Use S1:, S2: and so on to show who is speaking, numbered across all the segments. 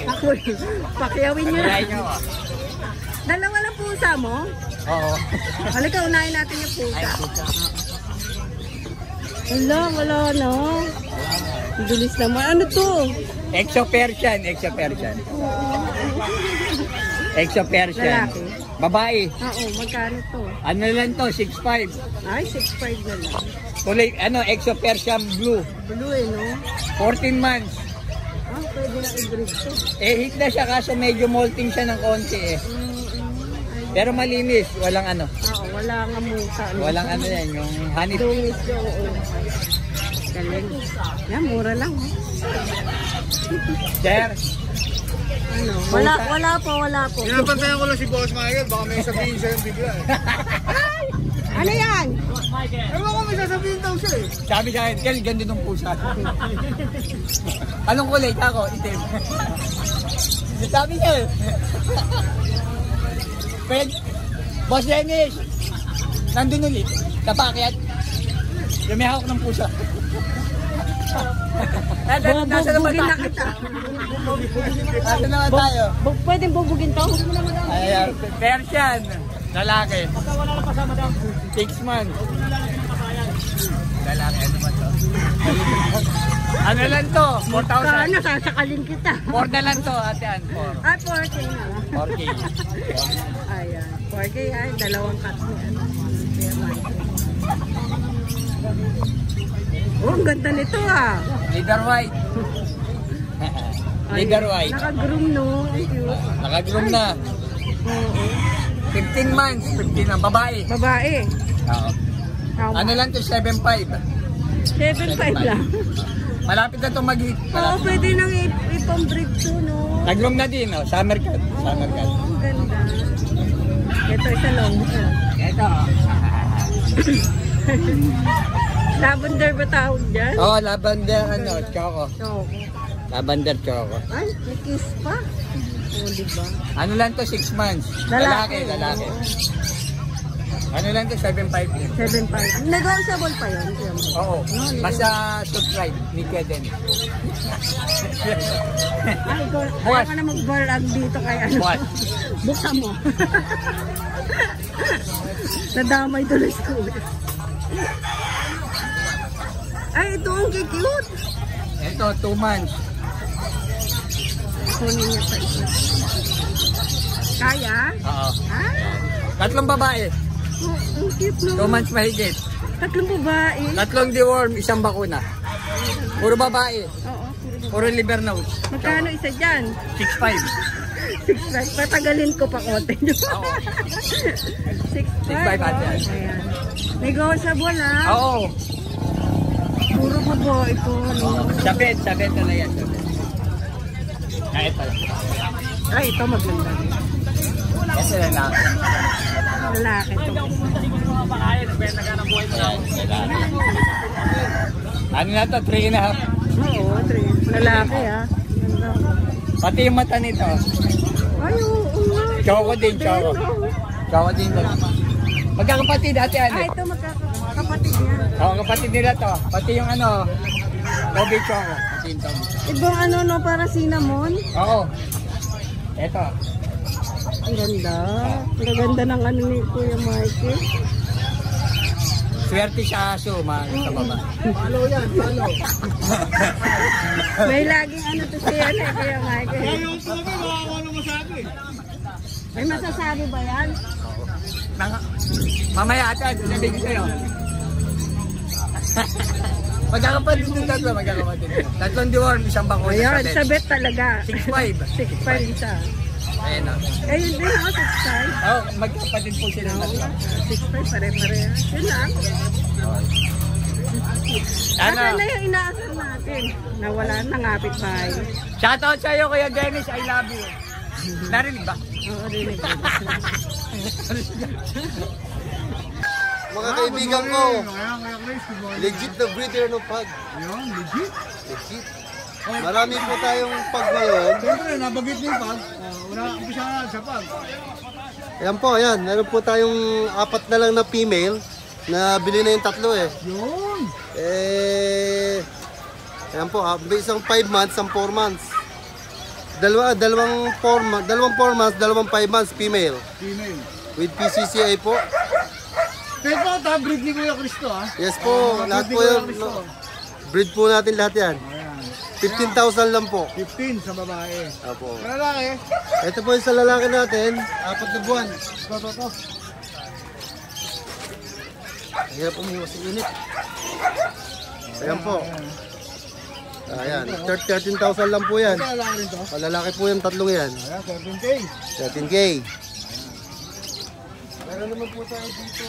S1: Pakyawin nyo. Dalawa lang pusa mo?
S2: Oo.
S1: Halika, unahin natin yung pusa. Wala no. Bilis naman. Ano to?
S2: Exo Persian.
S1: Lalaki.
S2: Babae.
S1: Oo, magkano to?
S2: Ano lang to? 6'5".
S1: Ay, 6'5 na lang.
S2: Kulay, Exo Persian Blue.
S1: Blue no?
S2: 14 months.
S1: Ah, pwede na i-breed to.
S2: Hit na siya kaso medyo molting siya ng konti Pero malinis, walang ano.
S1: Oo, wala nga musa.
S2: Walang ano yan, yung honey.
S1: Dungis ko, oo. Galing. Yan, mura lang.
S2: Sir.
S1: Ano? Wala po.
S3: Pinapantayan ko lang si Boss Michael, baka may sabihin siya yung bigla
S1: Ano yan?
S3: Ewan ko may sasabihin daw siya
S2: Sabi sa akin, Kel, ganda nung pusa. Anong kulay? Ako, itim. Sabi niya Boss Dennis, nandun ulit. Napakyat. Yung may hawak ng pusa. Nasa naman tayo. Nasa naman tayo.
S1: Pwedeng bubugin to?
S2: Ayan, Persian. Lalaki. 6 months. Lalaki, ano ba to? Ano lang to? 4,000.
S1: Ano, sasakalin kita.
S2: 4 na lang to, ate Ann. 4.
S1: Ay, 4K na lang.
S2: 4K.
S1: Ayan. 4K ay, dalawang cut niya. Oh, ang ganda nito
S2: Leader white. Leader white.
S1: Naka-groom no. Cute.
S2: Naka-groom na.
S1: Oo.
S2: 15 months. 15 na. Babae.
S1: Babae.
S2: Oo. Ano lang to? 7'5".
S1: 7'5 lang.
S2: Malapit na itong mag-hit.
S1: Oo, pwede nang ipang-breed to, no?
S2: Nag-groom na din, no? Summer cut. Summer cut.
S1: Oo, ang ganda. Ito, isa long.
S2: Ito.
S1: Lavender ba tawag dyan?
S2: Oo, lavender, choco.
S1: Oo.
S2: Lavender choco.
S1: Ay, may kiss pa. Oo, diba?
S2: Ano lang to? 6 months. Lalaki. Ano lang to? 7'5".
S1: 7'5". Negotiable pa yun.
S2: Oo. Basta subscribe ni Kweden.
S1: Ay, kaya ka na mag-vlog dito kay ano.
S2: What?
S1: Buksan mo. Nadamay tuloy ko. Ay, ito ang cute.
S2: Ito, 2 months.
S1: Kunin niya pa ito. Kaya?
S2: Oo.
S1: Ah?
S2: 3 babae.
S1: Oh, ang cute no.
S2: 2 months mahigit.
S1: 3 babae.
S2: 3 deworm, 1 bakuna. Puro babae.
S1: Oo.
S2: Puro liver nose.
S1: Magkano isa dyan?
S2: 6'5".
S1: 6'5". Patagalin ko pa konti.
S2: Oo.
S1: 6'5".
S2: 6'5" ate.
S1: Ayan. Negotiable
S2: Oo.
S1: Puro babae ito.
S2: Sabit na yan. Ay, ito lang.
S1: Ay, ito maganda.
S2: Ito lang lang.
S1: Lalaki ito.
S2: Ano na to? 3.5.
S1: Oo, 3. Lalaki Ganda.
S2: Pati yung mata nito.
S1: Ay, oo nga.
S2: Choco din, choco. Choco din. Magkakapatid, ate ano?
S1: Ay, ito magkakapatid niya.
S2: Oo, kapatid nila to. Pati yung Toby Choco. Pati yung Toby Choco.
S1: Ibang no, para cinnamon.
S2: Oo. Ito.
S1: Ang ganda. Ang ganda ng ni Kuya Mikey.
S2: Swerte siya aso, sa baba.
S3: Follow yan, follow.
S1: May laging to siya Kuya Mikey.
S3: Yung tuloy, baka ako ano masabi.
S1: May masasabi ba yan?
S2: Mamaya ate, sabihin ko sa'yo. Magkakapatid yung 3, magkakapatid. 3 deworm, 1 bakuna.
S1: Ayan, sabit talaga.
S2: 6'5".
S1: 6'5" isa.
S2: Ayun o.
S1: Ayun din ako, 6'5".
S2: Oo, magkakapatid po sila.
S1: 6'5", pare-pare. Yun lang. Asa na yung inaasar natin? Nawala na, ngapit bahay.
S2: Shoutout sa'yo, Kuya Dennis. I love you. Narinig ba?
S1: Oo, rinig.
S3: Mga kaibigan ko, legit na breeder ng pag.
S4: Ayun, legit.
S3: Legit. Marami po tayong pag ngayon.
S4: Siyempre, nabagit niyo yung pag. Umpisa na sa pag.
S3: Ayan po, ayan. Meron po tayong 4 na lang na female na bili na yung 3 eh.
S4: Yun.
S3: Ayan po, may isang 5 months, isang 4 months. dalawang 4 months, dalawang 5 months female.
S4: Female.
S3: With PCCI po.
S4: Pero po, ito, breed ni Kuya Cristo, ha?
S3: Yes po, lahat po yan. Breed po natin lahat yan.
S4: Ayan.
S3: 15,000 lang po.
S4: 15 sa babae.
S3: Opo.
S4: Sa lalaki,
S3: Ito po yung sa lalaki natin, 4 na buwan.
S4: ito.
S3: Hirap umiwas sa init. Ayan po. Ayan, 13,000 lang po yan.
S4: Ito lalaki rin to.
S3: Lalaki po yung tatlong yan.
S4: Ayan, 13K.
S3: 13K. Meron naman po tayo dito.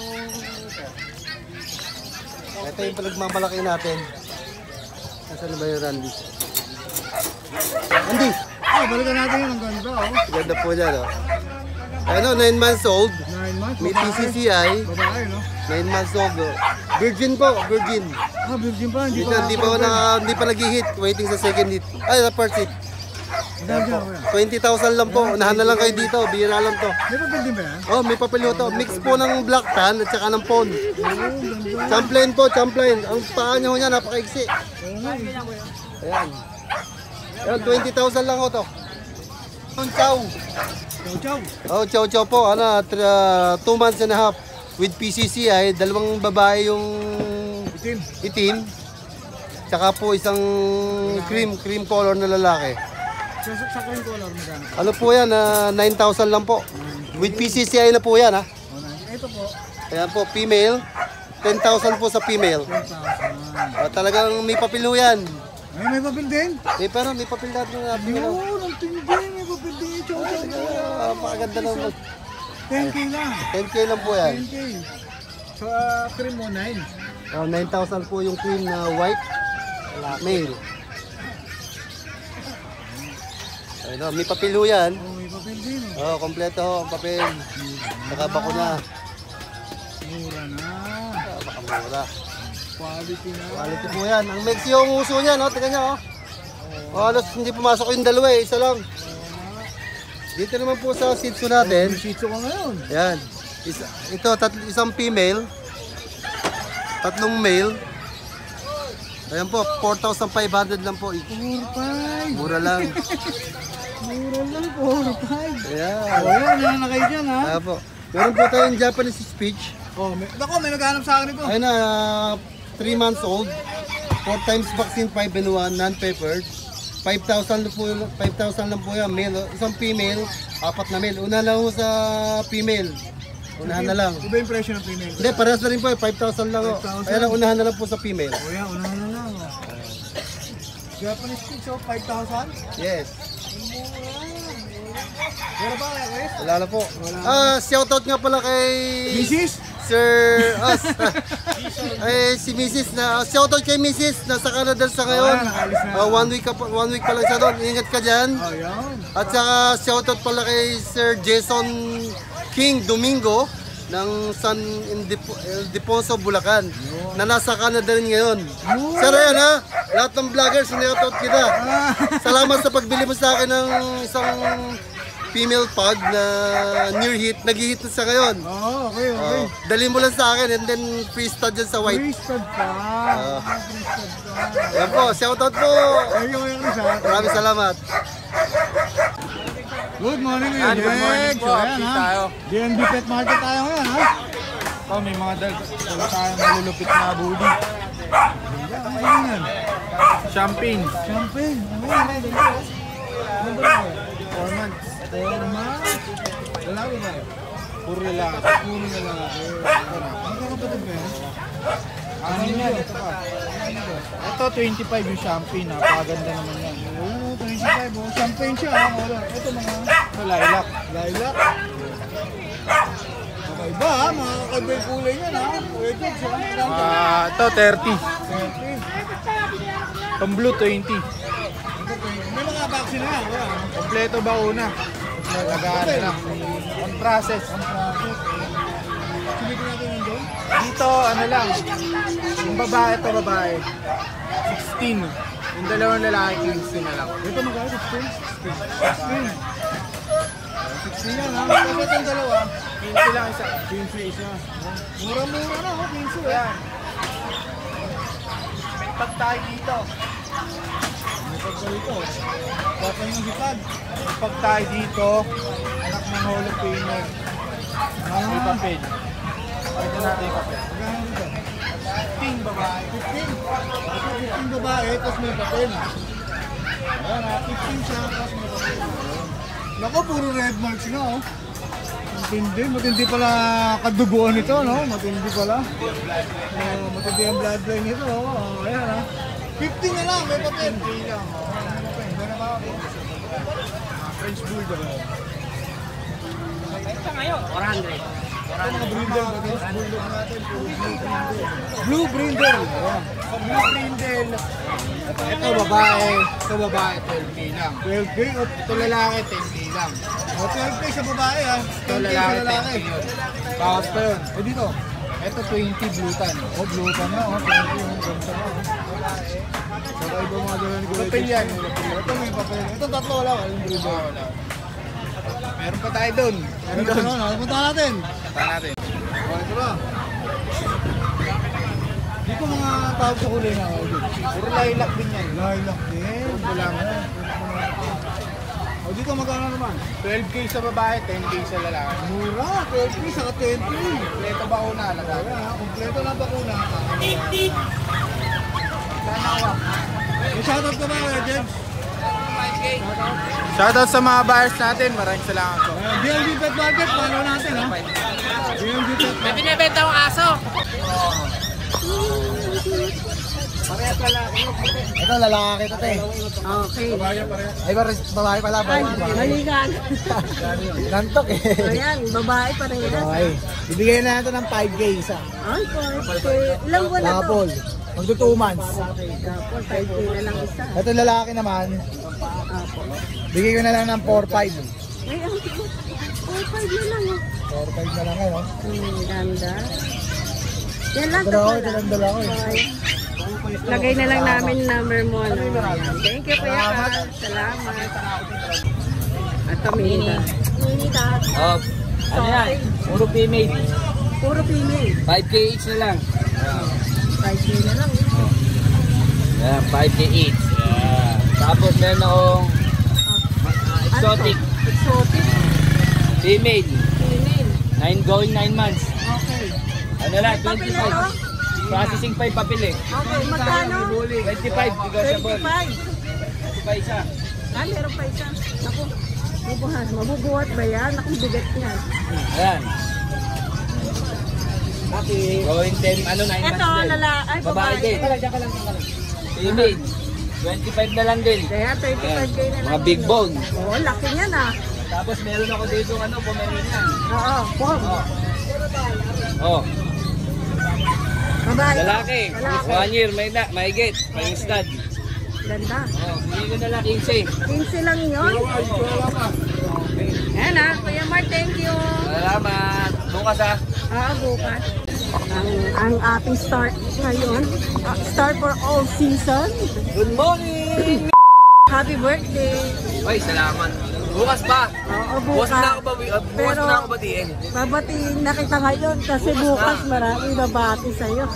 S3: Ito yung pinagmamalaki natin. Nasaan na ba yung Randy? Randy!
S4: Balikan natin yun. Ang ganda, oh.
S3: Ganda po dyan, oh. Ano, 9 months old.
S4: 9 months.
S3: May
S4: babae.
S3: PCCI.
S4: Babae, no?
S3: 9 months old, oh. Virgin po, virgin.
S4: Virgin pa.
S3: Hindi pa nag-hit. Waiting sa second hit. Ay, sa first hit.
S4: Ganda, kuya.
S3: 20,000 lang po. Unahan na lang kayo dito. Bihira lang to.
S4: May papel din ba yan?
S3: Oh, may papel to. Mix po ng black tan at saka ng pond.
S4: Oo, ganda.
S3: Champlain po, champlain. Ang paa niya ho niya, napakaiksi. Ayan. Ayan, 20,000 lang ho to. Ang chow.
S4: Chow, chow.
S3: Oh, chow chow po. Ano, 2 months and a half. With PCCI, dalawang babae yung
S4: Itim.
S3: itim. Tsaka po isang cream color na lalaki.
S4: Sa cream color, magkano?
S3: Ano po yan, 9,000 lang po. With PCCI na po yan, ha.
S4: Ito po,
S3: Ayan po, female. 10,000 po sa female.
S4: 10,000.
S3: Talagang may papel ho yan.
S4: Ay, may papel din?
S3: Pero may papel natin na natin.
S4: Yun, ang tindi. May papel din. Chow, chow.
S3: Napakaganda ng
S4: 10K lang.
S3: 10K lang po yan.
S4: 10K. Sa cream mo, 9.
S3: 9,000 po yung cream na white. Male. Ayun, may papel ho yan.
S4: Oh, may papel din.
S3: Oh, kompleto ho ang papel. Saka bakuna.
S4: Mura na.
S3: Baka mura.
S4: Quality na.
S3: Quality po yan. Ang Mexi yung uso niya, no? Tingnan niyo, oh. Halos hindi pumasok yung dalawa eh. Isa lang. Dito naman po sa Shih Tzu natin.
S4: May Shih Tzu ka ngayon.
S3: Ayan. Ito, isang female. Tatlong male. Ayan po, 4,500 lang po.
S4: 4-5.
S3: Mura lang.
S4: Mura lang, 4-5.
S3: Ayan.
S4: Oh, yan. Yan na kayo dyan, ha?
S3: Ayan po. Meron po tayong Japanese speech.
S4: Oh, may naghanap sa akin ito.
S3: Ayun na, 3 months old. 4 times vaccine, 5 and 1, non-peppered. 5,000 lang po yan, male. Isang female, 4 na male. Una lang po sa female. Unahan na lang.
S4: Iba yung presyo ng female.
S3: Hindi, parehas na rin po, 5,000 lang.
S4: 5,000.
S3: Ayan, unahan na lang po sa female.
S4: Oh, yan. Unahan na lang. Oh. Japanese Shih Tzu, 5,000?
S3: Yes.
S4: Meron ba kaya, Chris?
S3: Wala na po. Shoutout nga pala kay
S4: Mrs.?
S3: Sir si Mrs. na shoutout kay Mrs. Nasa Canada sa ngayon.
S4: Nakalis na.
S3: 1 week pa lang siya doon. Ingat ka diyan.
S4: Oh, yan.
S3: At saka shoutout pala kay Sir Jason King Domingo ng San Ildefonso, Bulacan, na nasa Canada rin ngayon. Sir, ayan ha, lahat ng vloggers, sinoutout kita. Salamat sa pagbili mo sa akin ng isang female pug na near hit, nag-hit na sa ngayon.
S4: Oh, okay, okay.
S3: Dali mo lang sa akin and then free stud dyan sa white.
S4: Free-stud pa. Free-stud pa.
S3: Ayan po, shoutout po.
S4: Thank you, Kuya Chris, ha?
S3: Maraming salamat.
S4: Good morning, Kuya
S2: Good morning
S4: Jex.
S2: po.
S4: Ayan,
S2: Update
S4: ha?
S2: tayo.
S4: DNB Pet Market tayo ngayon, ha?
S2: Oh, may mga dala tayong malulupit na bully.
S4: Ano yan?
S2: Champagne.
S4: Champagne. Ano yan? Ano ba yan?
S2: 4 months.
S4: Forma. Lalaki ba?
S2: Puro lalaki.
S4: Puro lalaki. Magkakapatid ba yan?
S2: Ano yan? Ito pa. Ito, 25 yung champagne. Napakaganda naman yan.
S4: Oo, 25. Oh. Champagne siya, ha? Ito mga
S2: Ito, lilac.
S4: lilac. Kakaiba, ha? Mga kakaiba yung kulay niyan, ha? Kuya Jex, ha?
S2: Ito, 30.
S4: 30.
S2: Itong blue, 20.
S4: May mga vaccine na yan, kuya.
S2: Kompleto ba una? Lagaan na lang. On process.
S4: Silipin natin yun doon.
S2: Dito, ano lang. Yung babae, ito babae. 16. Yung dalawang lalaki, 15 na lang.
S4: Ito magkano? 16? 16 yan, ha? Kasi itong dalawa,
S2: 15 lang isa.
S4: 15 isa. Mura-mura na, ha? 15
S2: Ayan. May tag tayo dito.
S4: May pagkalito. Papa yung hipag. Pag tayo dito, anak ng Hall of Famer. May papel. Pwede natin yung papel. Magkano dito? 15 babae. 15 babae, tapos may papel. Ayan ha, 15 siya, tapos may papel. Naku, puro red marks na oh. Matindi pala kaduguan nito, no? Matindi pala. Matindi ang bloodline nito, oh. Ayan ha. 15 na lang, may papel. 15 lang. Gana ba ako? French Bulldog.
S2: Ito ngayon, 400.
S4: Ito mga brindle, French Bulldog natin. Blue brindle. Sa blue brindle. Ito babae, 12K lang. 12K? Ito lalaki, 10K lang. O 12K sa babae ha. Ito lalaki, 10K yun. Bawas pa yun. O dito. Ito 20 blue tan. O blue tan na, o 20 yung ganda na. Saka iba mga dala ni Kuya. Papel yan. Ito may papel. Ito tatlo wala. Yung brindle. Meron pa tayo dun. Meron pa doon. Punta natin. Punta natin. O ito na. Dito mga tawag sa kulay na. Puro lilac din yan. Lilac din. Wala nga. O dito magkano naman? 12K sa babae, 10K sa lalaki. Mura, 12K saka 10K. Kompleto bakuna. Kompleto na bakuna. May shoutout ka ba, Jens? Shoutout sa mga buyers natin. Maraming salamat po. BLB Pet Market, follow natin ha. BLB Pet Market.
S2: May binibenta akong aso.
S4: Parehas lalaki.
S3: Ito, lalaki ito, te.
S1: Okay.
S3: Ay, babae pala.
S1: Ay, maligan.
S3: Nantok eh.
S1: Ayan, babae pa rin yan.
S3: Okay. Bibigyan na natin ng 5K isa.
S1: Ay, 5K. Ilang buwan na to?
S3: Kapol. Magdo 2 months.
S1: Kapol, 5K na lang isa.
S3: Ito lalaki naman.
S1: Apo.
S3: Bigay ko na lang ng 4-5.
S1: Ay, ang 4-5 na lang.
S3: 4-5 na lang eh, no?
S1: Ganda. Yan lang,
S3: Ito
S1: tatlo
S3: ito lang dalawa eh.
S1: Okay. Lagay na lang namin number mo. No? Ayan. Thank you, Kuya Carl. Salamat. At Mini. Mini cat.
S2: Oh, ano yan? Puro female.
S1: Puro female.
S2: 5K each na lang.
S1: 5K na lang.
S2: Yan, 5K each. Yan. Tapos meron akong exotic.
S1: Exotic.
S2: Female.
S1: Female.
S2: 9 months.
S1: Okay.
S2: Ano lang,
S1: Papel na to?
S2: 25. Processing pa yung papel eh.
S1: Okay, magkano?
S2: 25, negotiable.
S1: 25.
S2: Pa isa.
S1: Ah, meron pa isa. Naku, bubuhat. Mabubuhat ba yan? Naku, bigat niyan.
S2: Ayan. Going 10, ano, 9 months
S1: Ito,
S2: din.
S1: ay,
S2: Babae din. Female. 25 na lang din.
S1: Kaya 35K na lang.
S2: Mga big
S1: yun.
S2: bone.
S1: Oo, laki niyan ah.
S2: Tapos meron ako dito, ano, Pomeranian.
S1: Oo, pom.
S2: Oh,
S1: Babae.
S2: lalaki.
S1: Lalaki.
S2: 1 year, may get, may stud.
S1: Ganda.
S2: Oh, hindi ko na lang 15.
S1: 15 lang yun. Ayan ah, Kuya Mark, thank you.
S2: Salamat. Bukas ah.
S1: Bukas. Ang ating start ngayon. Start for all season.
S2: Good morning!
S1: Happy birthday.
S2: Oy, salamat. Bukas pa.
S1: Oo,
S2: Bukas
S1: bukas.
S2: na ako ba? Bukas na ako batiin.
S1: Babatiin na kita ngayon kasi bukas maraming babati sa'yo.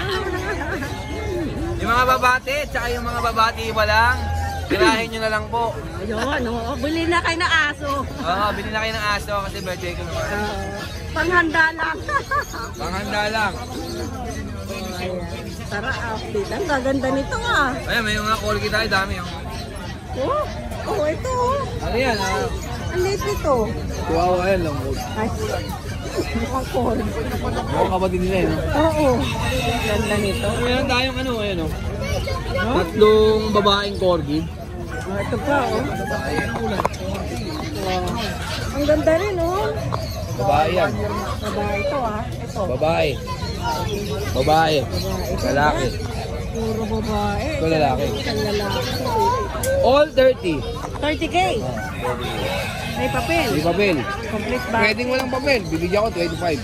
S2: Yung mga babati, tsaka yung mga babati pa lang, tirahin nyo na lang po.
S1: Ayun, oo. Bili na kayo ng aso.
S2: Oo, bilhin na kayo ng aso kasi birthday ko naman.
S1: Panghanda lang.
S2: Panghanda lang.
S1: Ayan. Tara, update. Ang gaganda nito ah.
S2: Ayan, may mga corgi tayo, dami oh.
S1: Ito oh.
S2: Ano yan ah?
S1: Ang late nito.
S2: Wow, ayan lang.
S1: Ay, mukhang corn.
S2: Mukhang kapatid nila eh, no?
S1: Oo. Ganda nito.
S2: Meron tayong ano, ayan oh. Tatlong babaeng corgi.
S1: Ito pa oh. Ang ganda rin oh.
S2: Babae yan.
S1: Babae ito ah. Ito.
S2: Babae. Babae. Lalaki.
S1: Puro babae.
S2: Ito lalaki.
S1: Isang lalaki.
S2: All 30.
S1: 30K. May papel.
S2: May papel.
S1: Complete ba?
S2: Pwedeng walang papel. Bibigyan ko 25.
S1: Ganun.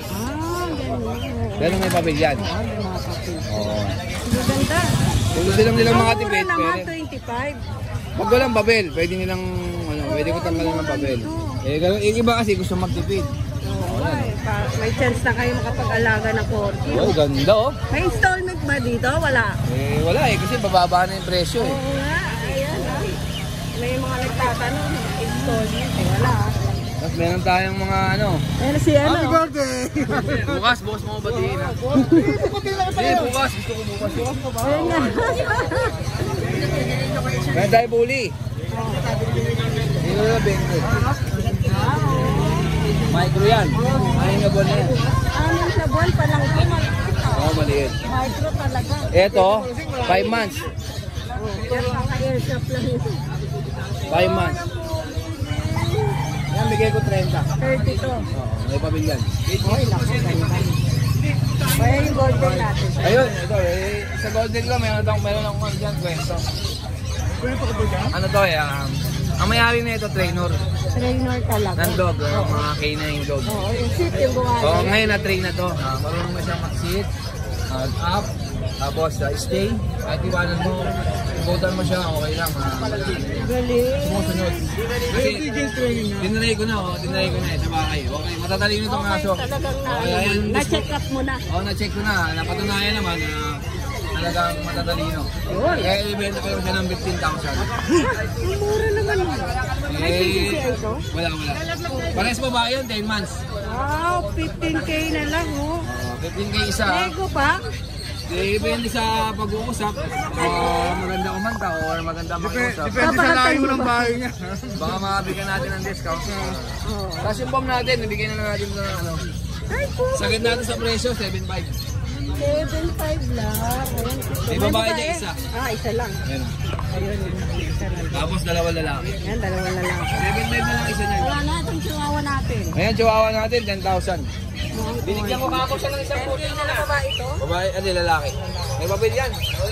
S2: Ganun may papel yan.
S1: May mga papel.
S2: Oo.
S1: Maganda.
S2: Kung gusto lang nilang mga tipid,
S1: naman,
S2: pwede.
S1: 25.
S2: Pag walang papel, pwede nilang, ano, pwede ko tanggalan ng papel. Eh, ganun, yung iba kasi gusto magtipid.
S1: Oo, may chance na kayo makapag-alaga ng corgi.
S2: Oh, ganda oh.
S1: May installment ba dito? Wala.
S2: Eh, wala eh, kasi bababa na yung presyo eh.
S1: Oo nga. Ayan ah. May mga nagtatanong. Installment. Eh, wala ah.
S2: Tapos meron tayong mga ano.
S1: Ayan si ano.
S3: Happy birthday!
S2: Bukas, bukas mo batiin ha. Hindi, bukas. Gusto ko bukas.
S1: Ayan nga.
S2: Meron tayo bully. Dito na, Benko. Micro yan. Ayun na buwan na yan.
S1: Amin sa buwan pa lang ito.
S2: Oo, maliit.
S1: Micro talaga.
S2: Ito, 5 months.
S1: Airshop lang ito.
S2: 5 months. Yan, bigay ko 30.
S1: 30 to.
S2: Oo, may pabilyan.
S1: Oy, naku, ganda. Kaya yung golden natin.
S2: Ayun, ito eh. Sa golden ko, meron akong ano dyan, kwento.
S4: Kwento ko ba dyan?
S2: Ano to eh, ang mayari na ito, trainer.
S1: Trainer talaga.
S2: Ng dog, mga canine dog.
S1: Oo, yung seat yung buwan.
S2: So, ngayon na-train na to. Marunong na siya mag-sit, up, tapos stay. Kahit iwanan mo, ibutan mo siya, okay lang.
S1: Galing.
S2: Sumusunod. Kasi, tinry ko na sa bahay. Okay, matatalino itong aso.
S1: Talagang
S2: Okay,
S1: na-check up mo na.
S2: Oo, na-check ko na. Napatunayan naman na talagang matatalino. Kaya ibenta ko lang siya ng 15,000.
S1: Ang mura naman mo. May PCCI ito?
S2: Wala. Pares pa ba yun? 10 months.
S1: Wow, 15K na lang oh.
S2: 15K isa.
S1: Lego pa?
S2: Depende sa pag-uusap. Maganda kumanta or maganda mag-uusap.
S4: Depende sa layo ng bahay niya.
S2: Baka makabigyan natin ng discount.
S1: Oo.
S2: Tapos yung bomb natin, nabigyan na natin ng ano.
S1: Ay po.
S2: Sagad natin sa presyo, 7.5.
S1: 7.5 lang. Ayan.
S2: May babae niya isa.
S1: Ah, isa lang.
S2: Ayan.
S1: Ayun. Isa lang.
S2: Tapos dalawa lalaki.
S1: Yan, dalawa na lang.
S2: 7.5 na lang isa niya.
S1: Wala na itong chihuahua natin.
S2: Ayan, chihuahua natin, 10,000. Binigyan ko kako siya ng isang puti
S1: Ano na ba ito?
S2: babae, ano lalaki. May pabilyan.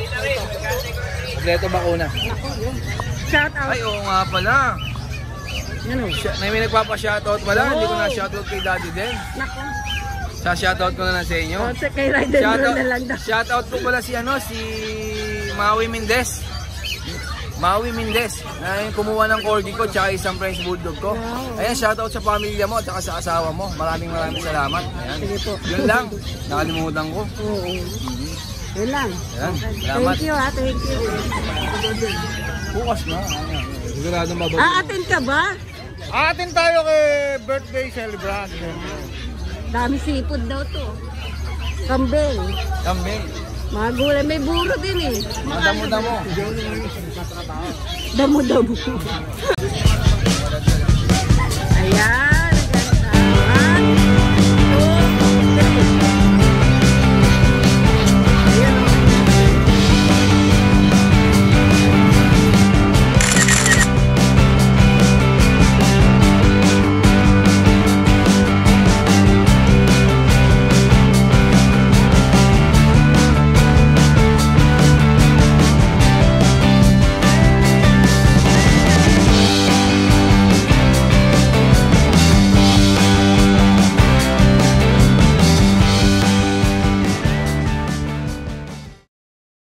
S2: Kompleto bakuna.
S1: Naku, yun. Shout out.
S2: Ay, oo nga pala.
S1: Yan o.
S2: May nagpapa-shoutout pala. Hindi ko na-shoutout kay Daddy din.
S1: Naku.
S2: Sa-shoutout ko na lang sa inyo.
S1: O, kay Rider Bro na lang daw.
S2: Shoutout ko pala si Maui Mendez. Maui Mendez. Na yung kumuha ng corgi ko tsaka isang French Bulldog ko.
S1: Wow.
S2: Ayan, shoutout sa pamilya mo at saka sa asawa mo. Maraming salamat. Ayan.
S1: Sige po.
S2: Yun lang. Nakalimutan ko.
S1: Oo. Yun lang.
S2: Ayan.
S1: Okay.
S2: Salamat.
S1: Thank you ha, thank you.
S2: Bukas na. Siguradong babalik.
S1: Attend ka ba?
S4: Atin tayo kay birthday celebrant.
S1: Dami sipod daw to. Kambing.
S2: Kambing.
S1: Mga gulay. May buro din eh.
S2: Madamo-damo.
S1: Damo-damo. Ayan.